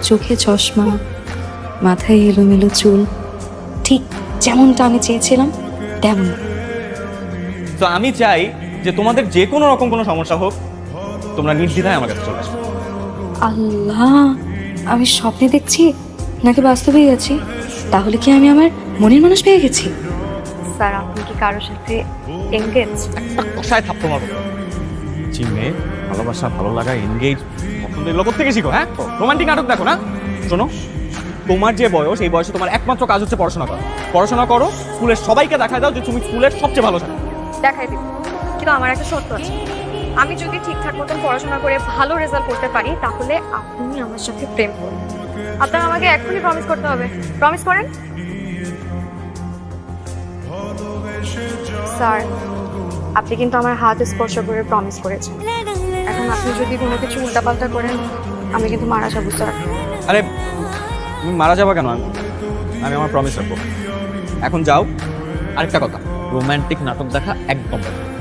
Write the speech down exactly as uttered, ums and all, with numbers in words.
চোখে চশমা, মাথায় এলোমেলো চুল, ঠিক যেমনটা আমি চেয়েছিলাম তেমন। তো আমি চাই যে তোমাদের যে কোনো রকম কোনো সমস্যা হোক, তোমরা নির্দ্বিধায় আমার কাছে চলে আসো। আল্লাহ, আমি স্বপ্নে দেখছি নাকি বাস্তবেই আছি? তাহলে কি আমি আমার মনের মানুষ পেয়ে গেছি? স্যার আপনি কি কারোর সাথে এঙ্গেজ? একটা কষায় থাপ্পড় মারবো। জি মেয়ে, ভালোবাসা, ভালো লাগা, এনগেজ পছন্দের লোক থেকে শিখো। হ্যাঁ, রোমান্টিক নাটক দেখো না। শোনো, তোমার যে বয়স, এই বয়সে তোমার একমাত্র কাজ হচ্ছে পড়াশোনা করা। পড়াশোনা করো, স্কুলের সবাইকে দেখা দাও যে তুমি স্কুলের সবচেয়ে ভালো ছাত্র। দেখাই দিব, কিন্তু আমার একটা শর্ত আছে। আমি যদি ঠিকঠাক মতন পড়াশোনা করে ভালো রেজাল্ট করতে পারি তাহলে আপনি আমার সাথে প্রেম করুন। আপনার আমাকে এখনই প্রমিস করতে হবে। প্রমিস করেন স্যার। আপনি কিন্তু আমার হাত স্পর্শ করে প্রমিস করেছেন। এখন আপনি যদি কোনো কিছু উল্টাপাল্টা করেন আমি কিন্তু মারা যাবো স্যার। আরে তুমি মারা যাবা কেন? আমি আমি আমার প্রমিস রাখবো। এখন যাও। আরেকটা কথা, রোমান্টিক নাটক দেখা একদম